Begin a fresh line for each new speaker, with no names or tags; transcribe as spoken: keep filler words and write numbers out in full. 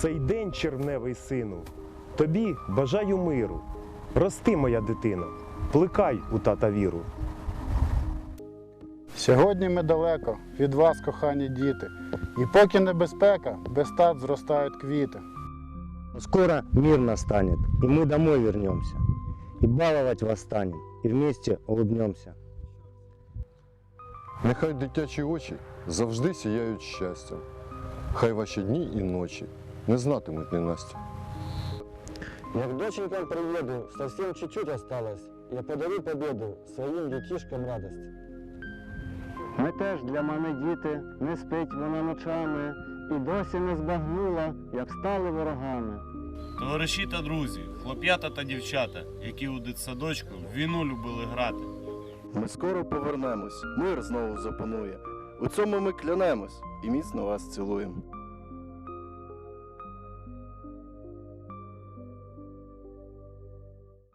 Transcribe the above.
цей день, червневий сину, тобі бажаю миру. Рости, моя дитино, плекай у тата віру.
Сьогодні ми далеко від вас, кохані діти, і поки небезпека, без тат зростають квіти.
Скоро мир настанет, и мы домой вернемся, и баловать вас станем, и вместе улыбнемся.
Нехай дитячі очі завжди сіяють щастям. Хай ваші дні і ночі не знатимуть ненастя.
Я к доченькам приеду, совсем чуть-чуть осталось. Я подарю победу своїм дітішкам радость. Ми теж для мене діти, не спить вона ночами, і досі не збагнула, як стали ворогами.
Товариші та друзі, хлоп'ята та дівчата, які у дитсадочку в війну любили грати.
Ми скоро повернемось, мир знову запанує. У цьому ми клянемось і міцно вас цілуємо.